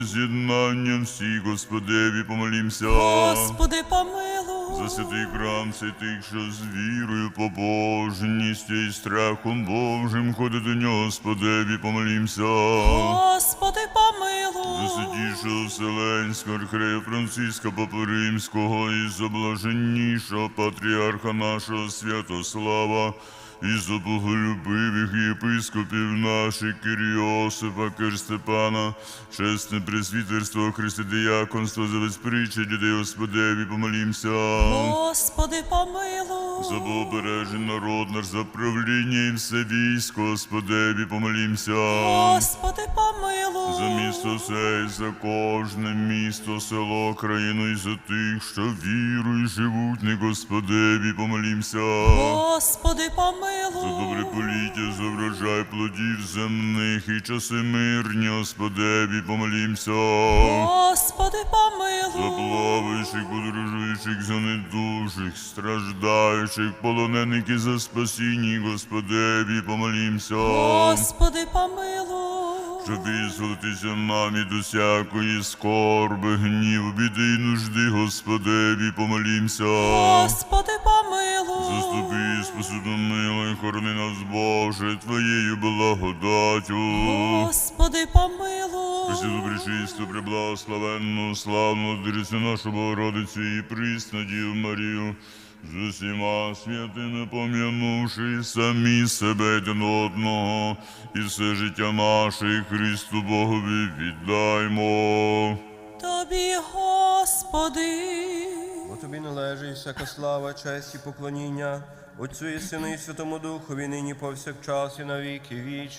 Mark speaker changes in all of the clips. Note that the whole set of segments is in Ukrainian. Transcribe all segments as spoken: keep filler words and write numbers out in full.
Speaker 1: З'єднанням всі, Господеві, помолімся.
Speaker 2: Господи, помилуй.
Speaker 1: За святий храм святих, що з вірою, побожністю і страхом Божим ходить до нього, Господеві, помолімся.
Speaker 2: Господи, помилуй.
Speaker 1: За святішого Вселенського архиерея Франциска Папи Римського і за блаженнішого патріарха нашого Святослава, і за боголюбивих єпископів наших Кирйосифа, Кир-Степана, чесне пресвітерство, християнство, за безприча людей, Господеві, помолімся.
Speaker 2: Господи, помилуй.
Speaker 1: За богобережний народ наш, за правління і все військо, Господеві, помолімся.
Speaker 2: Господи, помилуй.
Speaker 1: За місто сей, за кожне місто, село, країну і за тих, що вірою живуть, не, Господеві, помолімся.
Speaker 2: Господи, помилуй.
Speaker 1: За добре поліття, за врожай плодів земних і часи мирні, Господеві, помолімся.
Speaker 2: Господи,
Speaker 1: За
Speaker 2: помилуй.
Speaker 1: плаваючих, подорожуючих, за недужих, страждаючих, полонених і за спасіння, Господеві, помолімся.
Speaker 2: Господи, помилуй.
Speaker 1: Щоб визволитися нам від усякої скорби, гніву, біди й нужди, Господеві, помолімся.
Speaker 2: Господи, помилуй.
Speaker 1: Заступи, спаси, помилуй, хорони нас, Боже, Твоєю благодаттю.
Speaker 2: Господи, помилуй.
Speaker 1: Пресвяту, пречисту, преблагословенну, славну, Дирицю нашу Богородицю і присну Діву Марію, з усіма святими пом'янувши самі себе один одного, і все життя наше Христу Богові віддаймо.
Speaker 2: Тобі, Господи.
Speaker 3: Бо тобі належить всяка слава, честь і поклоніння, Отцю і Сину і Святому Духові, нині повсякчас і на віки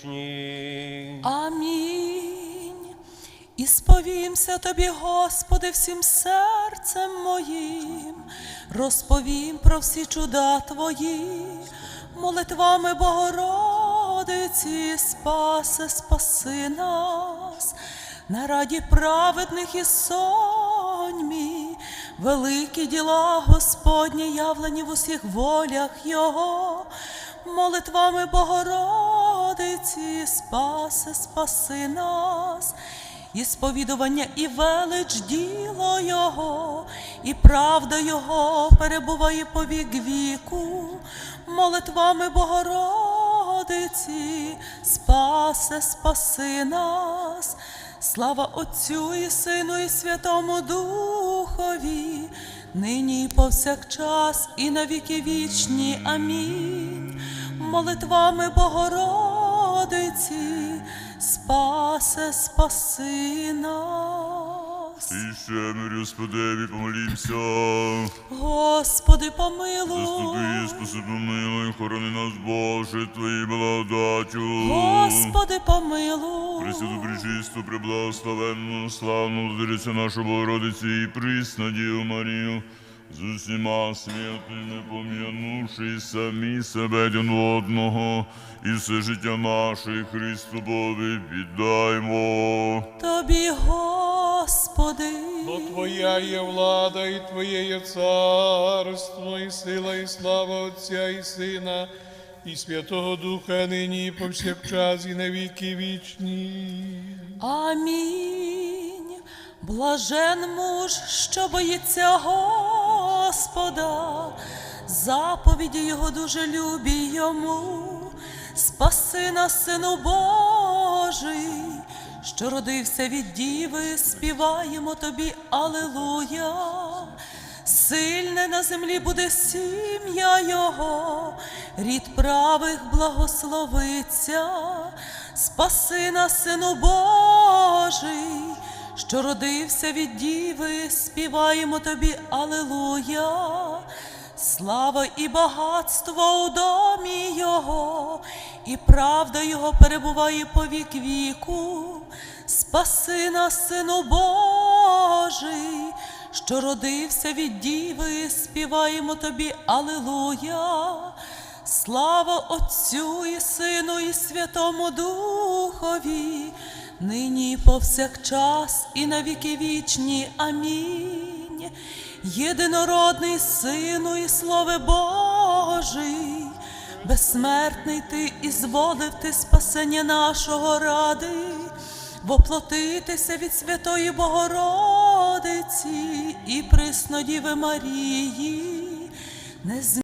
Speaker 3: вічні.
Speaker 2: Амінь. І сповімся Тобі, Господи, всім серцем моїм, розповім про всі чуда Твої, молитвами Богородиці, спаси, спаси нас, на раді праведних і соньмі, великі діла Господні, явлені в усіх волях Його, молитвами Богородиці, спаси, спаси нас, і сповідування, і велич діло Його, і правда Його перебуває по вік віку, молитвами Богородиці, спаси, спаси нас. Слава Отцю і Сину і Святому Духові, нині і повсякчас і на віки вічні. Амінь. Молитвами Богородиці, спаси, спаси нас.
Speaker 1: І ще мир, Господеві, помолімся.
Speaker 2: Господи, помилуй.
Speaker 1: Заступи, спаси, помилуй, хорони нас, Боже, Твоєю благодаттю.
Speaker 2: Господи, помилуй.
Speaker 1: Пресвяту, пречисту, преблагословенну, славну Владицю нашу Богородицю і присну Діву Марію, з усіма святими пом'янувши самі себе один одного, і все життя наше Христу Богові віддаймо.
Speaker 2: Тобі, Господи.
Speaker 4: Бо Твоя є влада, і Твоє є царство, і сила, і слава Отця і Сина, і Святого Духа, нині і повсякчас, і на віки вічні.
Speaker 2: Амінь. Блажен муж, що боїться Господа, заповіді Його дуже любі Йому. Спаси нас, Сину Божий, що родився від Діви, співаємо Тобі алілуя. Сильне на землі буде сім'я Його, рід правих благословиться. Спаси нас, Сину Божий, що родився від Діви, співаємо Тобі алілуя. Слава і багатство у домі Його, і правда Його перебуває по вік віку. Спаси нас, Сину Божий, що родився від Діви, співаємо Тобі алілуя. Слава Отцю і Сину і Святому Духові, нині і повсякчас і на віки вічні. Амінь. Єдинородний Сину і Слове Божий, безсмертний Ти, і зволив Ти спасення нашого ради. воплотитися від Святої Богородиці і Преснодіви Марії, не